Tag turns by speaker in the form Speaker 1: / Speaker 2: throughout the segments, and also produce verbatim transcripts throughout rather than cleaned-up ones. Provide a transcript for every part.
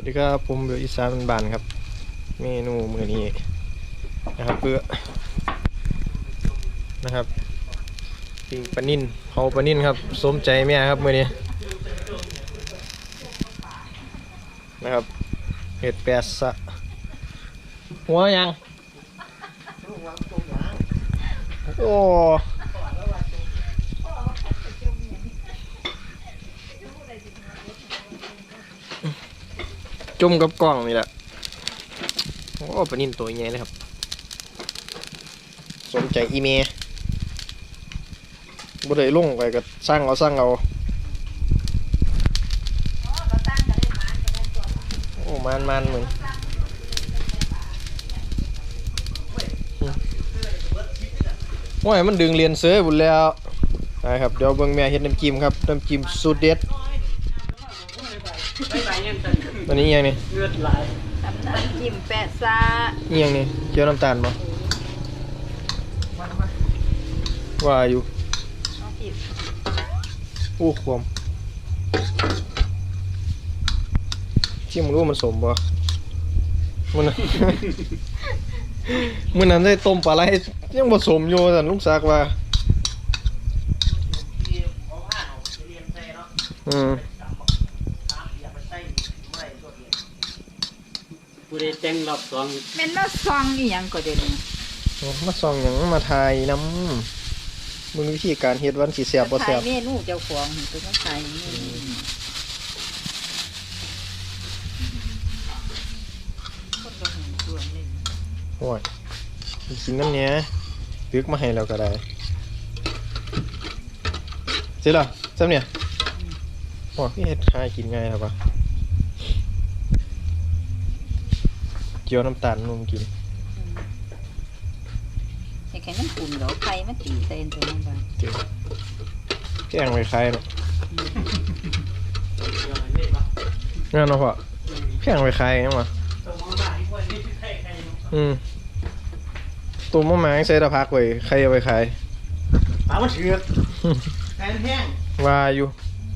Speaker 1: ดีครับผมเบลอีสานบ้านครับเมนูมื้อนี้นะครับเพื่อนะครับปิ้งปลานิ่นเผาปลานิ่นครับสมใจแม่ครับมื้อนี้นะครับเห็ดแปดสะหัวยังโอ้จุ่มกับกล้องนี่แหละโอ้ปลานิ่นตัวใหญ่เลยครับสมใจอีเมย์บ่ได้ลงไปก็สร้างเอาสร้างเอาโอ้มันมันเหมือนโอ้ยมันดึงเรียนเสือบุญแล้วนะครับเดี๋ยวเบิ่งแม่เฮ็ดน้ำจิ้มครับน้ำจิ้มสูตรเด็ดอันนี้ยังนี่
Speaker 2: น้ำจิ้มแปะซา
Speaker 1: นี่ยังนี่เจียวน้ำตาลบ่ว่าอยู่โอ้ความจิ้มรู้มันสมบ่มันมันนั้นได้ต้มปลาไหลยังผสมอยู่แต่ลุงซักว่าอืม
Speaker 3: ผู้ใดแต่งรอบสอง
Speaker 2: แม่นมาซองอีหยังก็เด่น
Speaker 1: มาส่องหยังมาทายน้ำมึงวิธีการเฮ็ดวันสิแซ่บบ่แซ่บ
Speaker 2: เมนูเจ้าของตัวมาใส่เมนูคนบ่ฮู้ตัวนี่
Speaker 1: โอ้ยกินน้ำเนี้ยตึกมาให้เราก็ได้เสร็จแล้วซ้ำเนี่ยโอ้ยเฮ็ดหากินง่ายครับวะเจียวน้ำตาลนุ่มกิน
Speaker 2: ไอ้แค่นั้นปุ่มเดี๋ยวไฟมันตีเต้นตัวนั้นบ้าง
Speaker 1: เจียวแกงไว้ใครเนาะงั้นเนาะพ่อแกงไว้ใครยังวะอืมตัวมะม่วงใส่ตะพักไว้ใครเอาไปขาย
Speaker 3: ปลามันเถือกแห้งแห้ง
Speaker 1: ว่าอยู่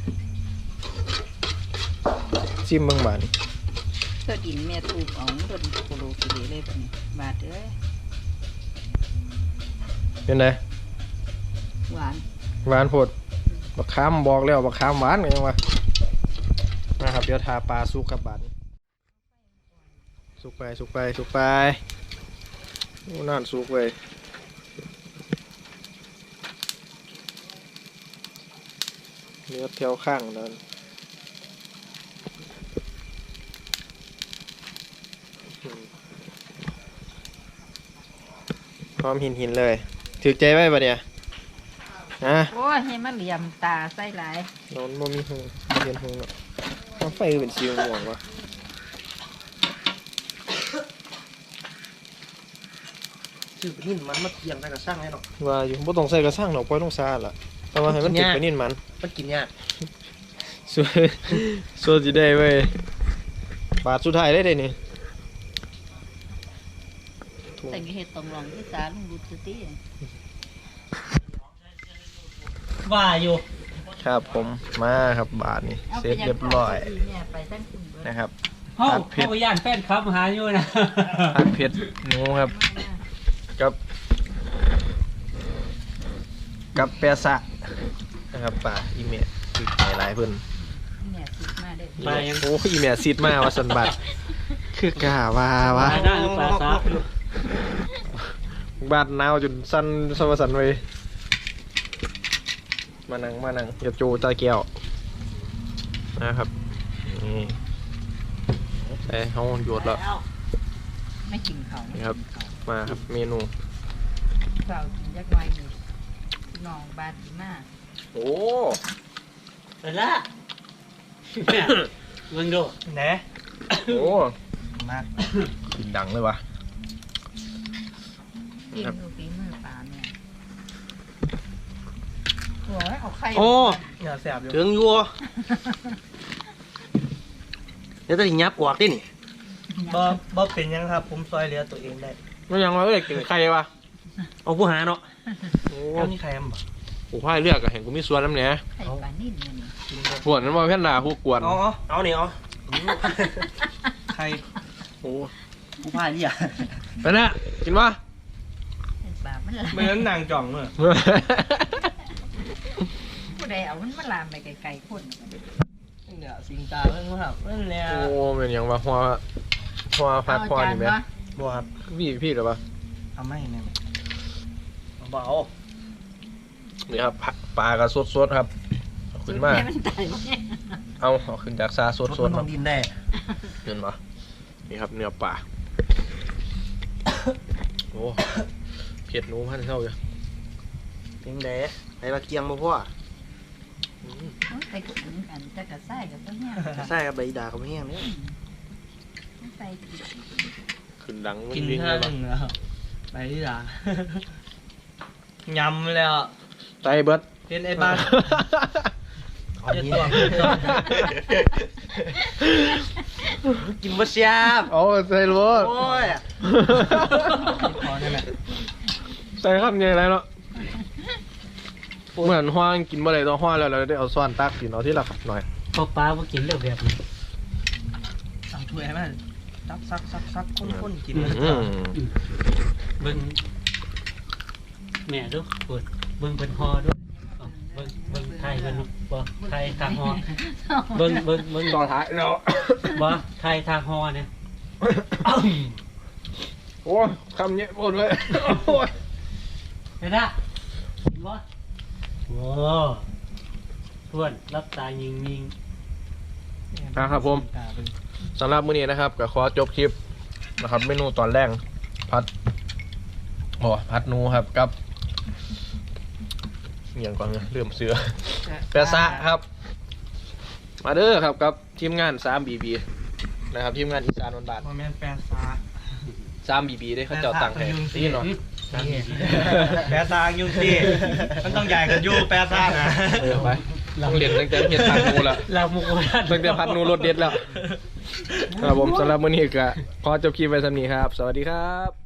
Speaker 1: จิ้มเบิ่งบาดนี่
Speaker 2: เธอดินแม่ถูกเอาโดนโคโลกิเลเลยแบบนี้บาดเอ้ย
Speaker 1: เป็นไง
Speaker 2: หวาน
Speaker 1: หวานโพดบักขามบอกแล้วบักขามหวานยังวะนะครับเดี๋ยวทาปลาสุกกับบาดสุกไปสุกไปสุกไปโอ้นั่นสุกเว้ยเนื้อเที่ยวข้างนั่นพร้อมหินหินเลยถือใจไว้ปะเนี่ยนะ
Speaker 2: โอ้ยให้มันเหลี่ยมตาใส่หลาย
Speaker 1: นอนบ่มีหงเรียนหงเนาะน้ำไฟเป็นสีม่วงวะ
Speaker 3: ชื่อนิ่มมันมาเทียมได้กับสร้างให้หรอก
Speaker 1: ว่าอยู่บ่ต้องใส่กระสังหรอกปล่อยลงซาล่ะแต่ว่าให้มันติดไปนิ่นมัน
Speaker 3: มันกินยาก
Speaker 1: สวยสวยสิได้เว้ยบาทสุดท้ายได้เลยนี่
Speaker 2: แต่งเห็ดตองรองที่สาลุงดูสติ
Speaker 3: ว่าอยู่
Speaker 1: ครับผมมาครับบาทนี่เสร็จเรียบร้อยนะครับ
Speaker 3: ห้องเข้าไปย่านแฟนครับหาอยู่นะ
Speaker 1: ผัดเผ็ดหนูครับกับกับแปะซะนะครับป่าอีเมะคือหลายหลายเพิ่น
Speaker 3: ปลายัง
Speaker 1: โอ้อีเมะซีดมาว่าสันบัดคือกะว่าว่า
Speaker 3: ปลาซะ
Speaker 1: บาดหนาวจนสั่นสวสันไว้มานั่งมานั่งอย่าโจตาแก้วนะครับนี่ใส่ห้องหยดแล้ว
Speaker 2: ไม่กินเขา
Speaker 1: นี่ครับมาครับเมนู
Speaker 2: เรากินยักษ์ไว้อยู่หนองบาดีมาก
Speaker 1: โอ้
Speaker 3: ไปละมึงดู
Speaker 1: แหนโอ้มากกินดังเลยวะ
Speaker 2: กินดูฝีมือปลาเนี่ยโอ้ยเอาไข่
Speaker 3: โอ้
Speaker 1: อย่าแสบอยู่
Speaker 3: ถึงยัวเดี๋ยวจะยับกวากดินี่
Speaker 4: บ่บ่เป็นยังครับผมซอยเหลือตัวเองได้
Speaker 1: ไม่ยังว่าเอ้ยกินไข่วะ
Speaker 3: เอาผู้หาเนาะ
Speaker 1: โอ้
Speaker 4: นี่ใครอ่ะ
Speaker 1: กูพ่ายเลือกอะเห็นกูมีส่วนน้ำเนี้ย
Speaker 2: ไข่ปลานิ่มเนี่ย
Speaker 1: พวกนั้นมาเพื่อนด่าพวกกวน
Speaker 4: อ๋อเอาเนี่ยเอาร
Speaker 1: โอ้
Speaker 3: กูพายเนี่ย
Speaker 1: ไปนะกินวะ
Speaker 2: เป็นบาปมันลาม
Speaker 4: ไม่งั้นนางจ่องเลย
Speaker 2: ผู้ใดเอามันมาลามไปไกลๆคน
Speaker 4: เนี่ยสิงตาเรื่องครับนั่นแหละ
Speaker 1: โอ้เป็นหยังวะหัวหัวพัดหัวนี่ไหม
Speaker 3: บัวครับ
Speaker 1: พี่พี่หรือปะ
Speaker 3: เอาไม่เนี่ย
Speaker 4: เบา
Speaker 1: นี่ครับผักปลากระสดสดๆครับเอาขึ้นมา
Speaker 2: มันตายเนี่ย
Speaker 1: เอาเอาขึ้นจากซาสด
Speaker 3: รถ
Speaker 1: ส
Speaker 3: มั
Speaker 1: ด
Speaker 3: น
Speaker 1: ค
Speaker 3: ล
Speaker 1: รับ
Speaker 3: งดินได้
Speaker 1: เห็นปะนี่ครับเนื้อปลาโอ้เผ็ดหนูพันเท่าอยู่
Speaker 3: เพียงแดไอ้มาเกียงบ่พ่อ
Speaker 1: อืม
Speaker 2: ไปกถึงกันจะกระใส่กับต้นเนี่ย
Speaker 3: ใช่ครับใบด่าเขาไม่แห้งเนี่ย
Speaker 2: ใส่
Speaker 1: ขึ้นดัง
Speaker 4: ๆกิน
Speaker 1: วิ่ง
Speaker 4: ข้า
Speaker 1: เล
Speaker 4: วย ห
Speaker 1: ปะ
Speaker 4: นึ่งแล้วไปที่ร้าน ยำแล้ว
Speaker 1: ไตเบิร์ด
Speaker 4: เห็นไอ้บ้าน
Speaker 3: เอา
Speaker 4: เจ็ด
Speaker 3: นี้
Speaker 4: ตัว
Speaker 3: กินบ่เสียบ
Speaker 1: เอาใส่รถ
Speaker 3: โอ้ย
Speaker 4: พอนี่แหละ
Speaker 1: ใส่ครับยังไงเนาะเหมือนห้างกินบ่ได้ต้องห้างแล้วเราได้เอาซ้อนตักกินเอาที่ละครับหน่อย
Speaker 5: พอปลาบ่กินเรื่องแบบนี้
Speaker 4: เอาถ้วยให้มันซักซักซักซักข้นๆกิน
Speaker 1: อืม
Speaker 5: เบิ่งแม่ดูปวดเบิ่งเป็นฮอด้วยเอาเบิ่งเบิ่งไทยเบิ่งบ่ไทยทางฮอเบิ่งเบิ่งเบิ่ง
Speaker 1: ต่อท้ายเนาะ
Speaker 5: บ่ไทยทางฮอเนี่ย
Speaker 1: โอ้คำเนี้ยพูดเลยโอ้ย
Speaker 5: เห็นนะกินบ่โอ้ทวนรับตายิงยิง
Speaker 1: นะครับผมสำหรับมื้อนี้นะครับก็ขอจบคลิปนะครับ เมนูตอนแรกพัดโอ้พัดหนูครับกับอหย่างก่อนเนี่ยเริ่มเสือแปะซะครับ มาเด้อครับกับทีมงาน ทรี บี บี นะครับทีมงานอีสานวันบาท
Speaker 4: โมเมนต์แปรซา
Speaker 1: ทรี บี บี ได้เขาเจ้าตังค์ให้นี่เนาะ
Speaker 4: แปรซายุงซี่มันต้องใหญ่กันยูแปรซานะ
Speaker 1: เออไปต้องเรียนตั้งแต่เฮ็ดพัดหนูละ
Speaker 5: เรามุกว่า
Speaker 1: ตั้งแต่พัดหนูรถเด็ดแล้วครับผมสำหรับมื้อนี้ก็ขอจบคลิปไว้สำนี้ครับ สวัสดีครับ